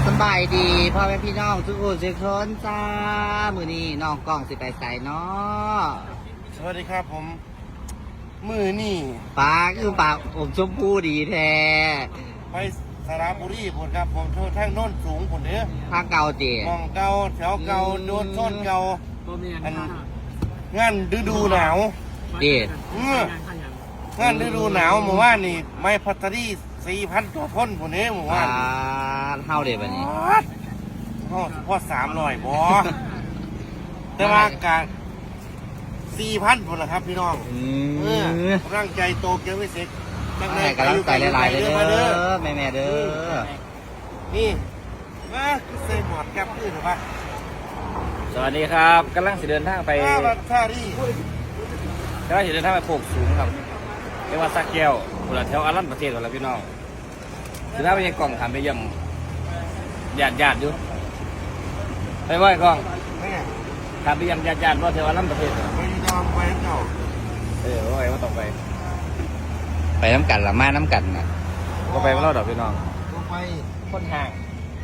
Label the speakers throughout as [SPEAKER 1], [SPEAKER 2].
[SPEAKER 1] สบายดีพ่อแม่พี่น้องทุกคนทุกคนจ้ามือนี้น้องกล้องสิไปใส่เนาะ
[SPEAKER 2] สวัสดีครับผมมือนี่
[SPEAKER 1] ปลาคือปลาผมชมพูดีแท้
[SPEAKER 2] ไปสระบุรีผมครับผมทางโน้นสูงผมเด้อ
[SPEAKER 1] ทางเก่าเตี๋ย
[SPEAKER 2] มองเก่าแถวเก่าโดนซ่อนเก่าอันงานฤดูหนาว
[SPEAKER 1] เตี๋ย
[SPEAKER 2] งานฤดูหนาวเมื่อวานนี่ไม่พัตรี4,000 ตัวพ่นผมเด้อเมื่อวาน
[SPEAKER 1] เท่าเดียวแบบนี้
[SPEAKER 2] พ่อ300บ่แต่ว่ากะ4,000คนละครับพี่น้องกำลังใจโตเกียวไม่เสร็จ
[SPEAKER 1] กำลังใจหลายๆเลยเด้อแม่เด้อ
[SPEAKER 2] นี่มาเซมอดแก๊บขึ้นหรือเปล่า
[SPEAKER 3] สวัสดีครับกำลังสิเดินทางไป
[SPEAKER 2] ท่าดี
[SPEAKER 3] กำลังสิเดินทางไปโคกสูงครับเรียกว่าสักแก้วคนละแถวอารันประเทศคนละพี่น้องคือถ้าไปยังกล่องถามไปยังญาติอยู่ไปไหว้กล่องถามไปยังญาติว่าแถวอารันประเทศ
[SPEAKER 2] ไปยอมไปเจ้า
[SPEAKER 3] ว่าไงว่าต้อง
[SPEAKER 1] ไปน้ำกันละมาน้ำกันนะ
[SPEAKER 3] ก็ไปเล่าดอกพี่น้อง
[SPEAKER 2] ก็ไป
[SPEAKER 3] คนห่าง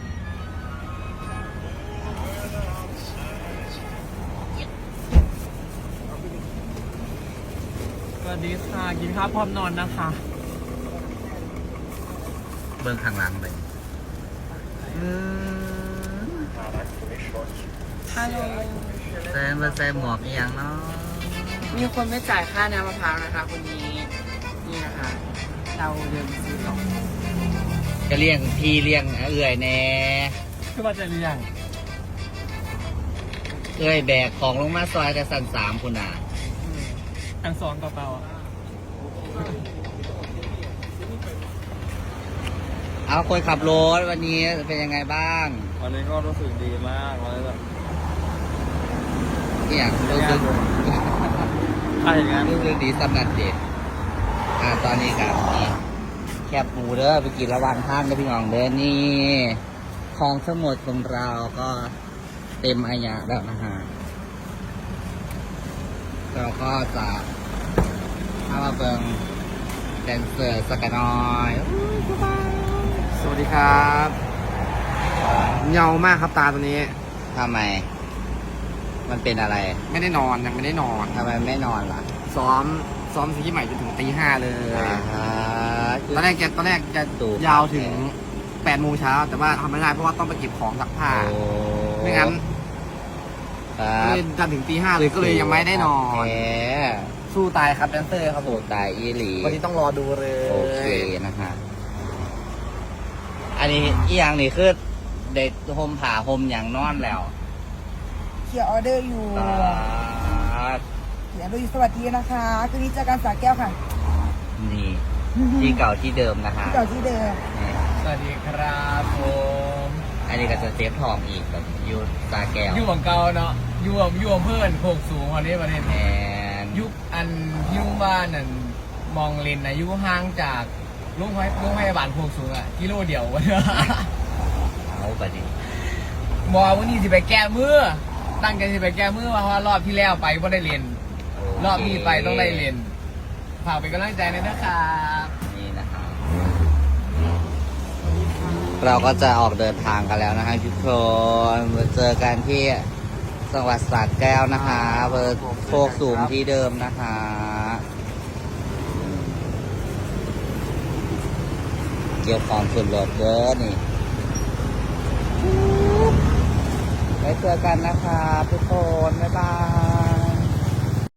[SPEAKER 4] สวัสดีค่ะกินข้าวพร้อมนอนนะคะ
[SPEAKER 1] เบื้องข้างหลังไป
[SPEAKER 4] ฮัลโหล
[SPEAKER 1] แซมหมวกอีกอย่างเนาะ
[SPEAKER 4] มีคนไม่จ่ายค่าน้ำมะพร้าวนะคะคนนี้นี่นะคะเราเดินซื้อของ
[SPEAKER 1] จะเลี้ยงพี่เลี้ยงเอื่อยแน่
[SPEAKER 4] คือว่าจะเลี้ยง
[SPEAKER 1] เอื่อยแบกของลงมาซอยแต่สั่น3คุณอ่ะ
[SPEAKER 4] ทั้งสองกระเป๋า
[SPEAKER 1] เอาคนขับรถวันนี้เป็นยังไงบ้าง
[SPEAKER 3] วันนี้ก็รู้สึกดีมากเลยแบบ
[SPEAKER 1] อย่างรู้สึกรู้สึกดีสำหรับเด็กตอนนี้กับนี่แคบหมูเด้อไปกินระหว่างทางกับพี่น้องเด้อนี่คลองสมุทรของเราก็เต็มอาญาแล้วนะฮะเราก็จะเข้ามาเบิ่งแดนเซอร์สักหน่อย
[SPEAKER 2] สวัสดีครับเงามากครับตาตัวนี้
[SPEAKER 1] ทำไมมันเป็นอะไร
[SPEAKER 2] ไม่ได้นอนยังไม่ได้นอน
[SPEAKER 1] ทำไมไม่นอนล่ะ
[SPEAKER 2] ซ้อมซีรีส์ใหม่จนถึงตี 5เลยตอนแรกจะยาวถึง8 โมงเช้าแต่ว่าทำไม่ได้เพราะว่าต้องไปเก็บของซักผ้าไม่งั้นเลยจันถึงตี 5เลยก็เลยยังไม่ได้นอนสู้ตายครับแดนเซอร์ครับผม
[SPEAKER 1] ตายอีหลี
[SPEAKER 2] วันนี้ต้องรอดูเลย
[SPEAKER 1] โอเคนะฮะอันนี้อีอย่างนี้คือเด็กโฮมผ่าโฮมอย่างนอนแล้ว
[SPEAKER 5] เขียนออเดอร์อยู่เขียนออเดอร์อยู่สวัสดีนะคะคืนนี้เจอกันสาแก้วค่ะ
[SPEAKER 1] นี่ที่เก่าที่เดิมนะคะ
[SPEAKER 5] ที่เก่าที่เดิม
[SPEAKER 4] สวัสดีครับผม
[SPEAKER 1] อันนี้ก็จะเซฟทองอีกแบบยูสาแก้ว
[SPEAKER 4] ยู่ของเก่าเนาะยู่เพื่อนโคกสูงวันนี้ประเทศ
[SPEAKER 1] แอน
[SPEAKER 4] ยุคอันยุ่งบ้านนั่นมองเลนนะยุ่งห่างจากลุงพยาบาลโคกสูงอะกิโลเดียว
[SPEAKER 1] เอาไปดิ
[SPEAKER 4] บอกวันนี้สิไปแก้มือตั้งใจสิไปแก้มือเพราะว่ารอบที่แล้วไปไม่ได้เรียนรอบนี้ไปต้องได้เรียนฝากเป็นกำลังใจเลยนะครับ
[SPEAKER 1] นี่นะครับเราก็จะออกเดินทางกันแล้วนะคะทุกคนมาเจอกันที่จังหวัดสระแก้วนะคะเบอร์โคกสูงที่เดิมนะคะเกี่ยวของสุดรถเยอะนี่ไว้เจอกันนะคะทุกคนบ๊ายบาย